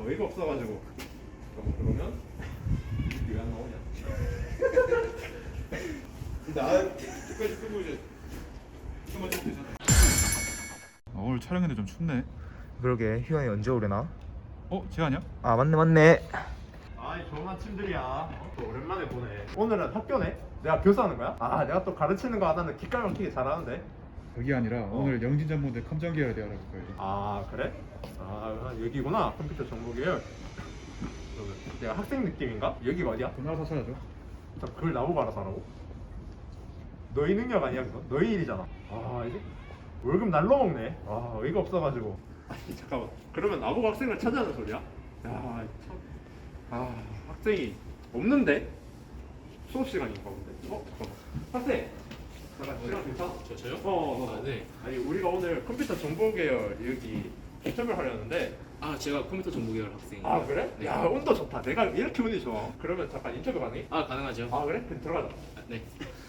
어이가 없어가지고. 그러면 이게 왜 안 나오냐? 나 끝까지 쓰고 이제 이거만 좀 되잖아. 오늘 촬영인데 좀 춥네. 그러게 휴양이 언제 오려나? 재환이야? 아 맞네. 아이 좋은 아침들이야. 또 오랜만에 보네. 오늘은 학교네? 내가 교수하는 거야? 아 내가 또 가르치는 거 하나는 기깔 막히게 잘하는데. 그게 아니라 오늘 영진전문대 컴정계열에 대해 알아볼 거예요. 아 그래? 아 여기구나. 컴퓨터 정보 계열. 내가 학생 느낌인가? 여기가 어디야? 돈 알아서 찾아줘. 그걸 나보고 알아서 하라고? 너희 능력 아니야 그거? 너희 일이잖아. 아 이제 월급 날로 먹네. 아 어이가 없어가지고. 아니 잠깐만. 그러면 나보고 학생을 찾아는 소리야? 야 참. 아 학생이 없는데? 수업 시간인가 본데. 잠깐만. 학생. 잠깐 시간 괜찮아? 저요? 아, 네. 아니 우리가 오늘 컴퓨터 정보 계열 여기 인터뷰를 하려는데. 아, 제가 컴퓨터 정보 계열 학생이에요. 아 그래? 네. 야 온도 좋다. 내가 이렇게 운이 좋아. 그러면 잠깐 인터뷰 가능해? 아, 가능하죠. 아 그래? 그럼 들어가자. 아, 네.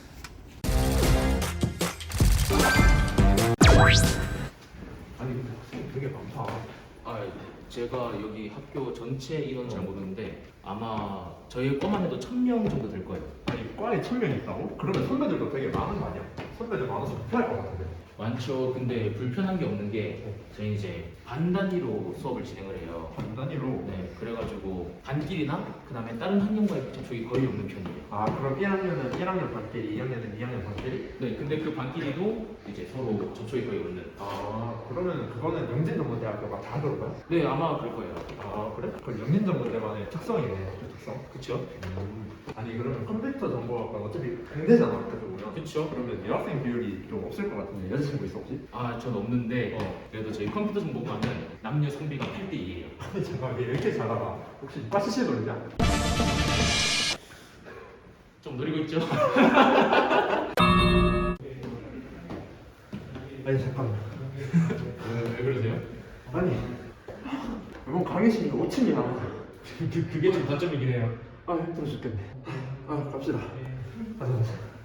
아니 근데 학생 되게 많다. 아, 제가 여기 학교 전체 인원 잘 모르는데 아마 저희 과만 해도 1000명 정도 될 거예요. 아니 과에 1000명이 있다고? 그러면 선배들도 되게 많은 거 아니야? 선배들 많아서 불편할 것 같은데. 많죠. 근데 불편한 게 없는 게 저희 이제 반 단위로 수업을 진행을 해요. 반 단위로? 네, 그래가지고 반끼리나 그다음에 다른 학년과의 접촉이 거의 없는 편이에요. 아 그럼 1학년은 1학년 반끼리, 2학년은 2학년 반끼리? 네, 근데 그 반끼리도 이제 서로 접촉이 거의 없는. 아 그러면 그거는 영진전문대학교가 다 그런 거야? 네, 아마 그럴 거예요. 아 그래? 그 영진전문대만의 특성이네. 그 특성? 그쵸? 아니 그러면 컴퓨터 정보학과는 어차피 공대잖아 어떻게 보면. 그쵸? 그러면 여학생 비율이 좀 없을 것 같은데 여자친구 있어 혹시? 아, 전 없는데 그래도 저희 컴퓨터 정보과는 남녀 성비가 8대2예요. 아니 잠깐 왜 이렇게 잘 알아? 혹시 과 CC 돌리냐? 좀 노리고 있죠? 아니 잠깐만. 왜 그러세요? 아니 뭐 강의실이 5층이나. 그게 좀 단점이긴 해요. 아 힘들어 죽겠네. 아 갑시다. 가자 가자.